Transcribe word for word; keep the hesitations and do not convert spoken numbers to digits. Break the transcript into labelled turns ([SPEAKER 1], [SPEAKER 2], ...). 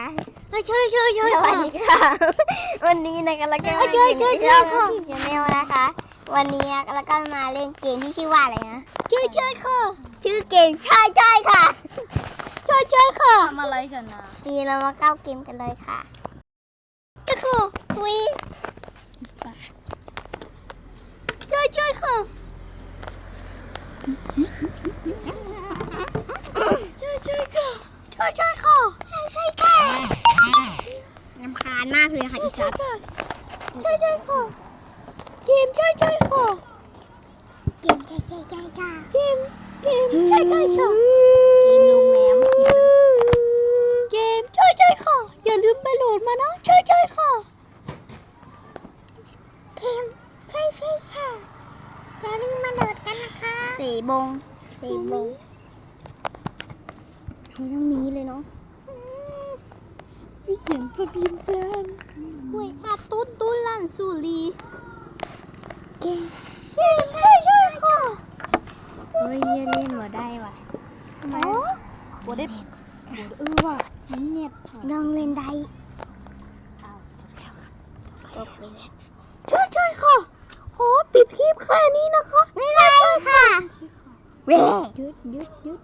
[SPEAKER 1] ช่วยช่วยช่วย
[SPEAKER 2] สวัสดีค่ะวันนี้นะคะแล้วก็มา
[SPEAKER 1] ช่วยช่วยช่วยค่ะ
[SPEAKER 2] ชาแนลนะคะ วันนี้แล้วก็มาเล่นเกมที่ชื่อว่าอะไรนะ
[SPEAKER 1] ช่วยช่วยค่ะ
[SPEAKER 2] ชื่อเกมใช่ใช่ค่ะ
[SPEAKER 1] ช่วยช่วยค่ะ
[SPEAKER 3] ทำอะไรกันนะ
[SPEAKER 2] นี่เรามาเข้าเกมกันเลยค่ะ
[SPEAKER 1] ช่วยค่ะ
[SPEAKER 2] ทุย
[SPEAKER 1] ช่วยช่วยค่ะช่วยช่วยค่ะช่วยช่วยค่ะ
[SPEAKER 2] ใช่ใช่ค่ะรำคาญมากเลยค่ะอีสัตว์
[SPEAKER 1] ช่วยช่วยค่ะเกมช่วยช่วยค่ะ
[SPEAKER 2] เกมใช่ใช่ใช่ค่ะ
[SPEAKER 1] เกมเกมช่วยช่วยค่ะ
[SPEAKER 3] กินโรงแรมกิน
[SPEAKER 1] เกมช่วยช่วยค่ะอย่าลืมไปโหลดมานะช่วยช่วยค่ะ
[SPEAKER 2] เกมใช่ใช่ค่ะจะรีบมาโหลดกันนะคะสี่บงสี่บงให้ต้องมีเลยเนาะ
[SPEAKER 1] มีเสียงสปีนเจนเว้ยอาตุ้นตุ้นลั่นสุรี
[SPEAKER 2] เกม
[SPEAKER 1] เกมช่วยช่วยค่ะ
[SPEAKER 3] เฮ้ยเหี้ยเล่นหัวได้ว่ะ
[SPEAKER 1] อ๋อ
[SPEAKER 3] หัวได้เออว่ะมันเน็ต
[SPEAKER 2] ลองเล่นได้
[SPEAKER 3] เอาจบแล้ว
[SPEAKER 2] จบไปแล้ว
[SPEAKER 1] ช่วยช่วยค่ะขอปิดคลิปแค่นี้นะคะ
[SPEAKER 2] ไม่ได้ค่ะเว้ย
[SPEAKER 1] หยุดหยุดหยุด